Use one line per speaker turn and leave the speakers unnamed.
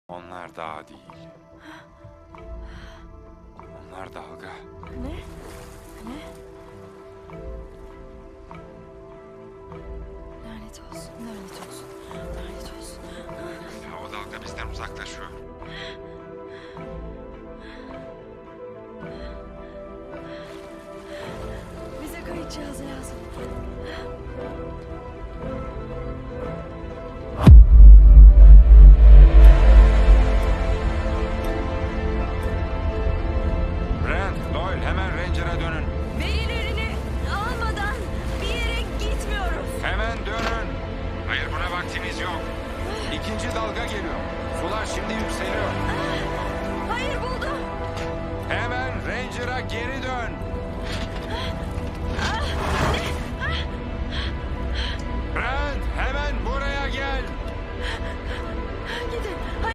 Onlar dağ değil. Onlar dalga.
Ne? Ne? Lanet olsun, lanet olsun, lanet olsun.
Ya o dalga bizden uzaklaşıyor.
Bize kayıt cihazı lazım.
Brent, Doyle hemen Ranger'a dönün.
Verilerini almadan bir yere gitmiyoruz.
Hemen dönün. Hayır, buna vaktimiz yok. İkinci dalga geliyor. Sular şimdi yükseliyor.
Hayır, buldum.
Hemen Ranger'a geri dön.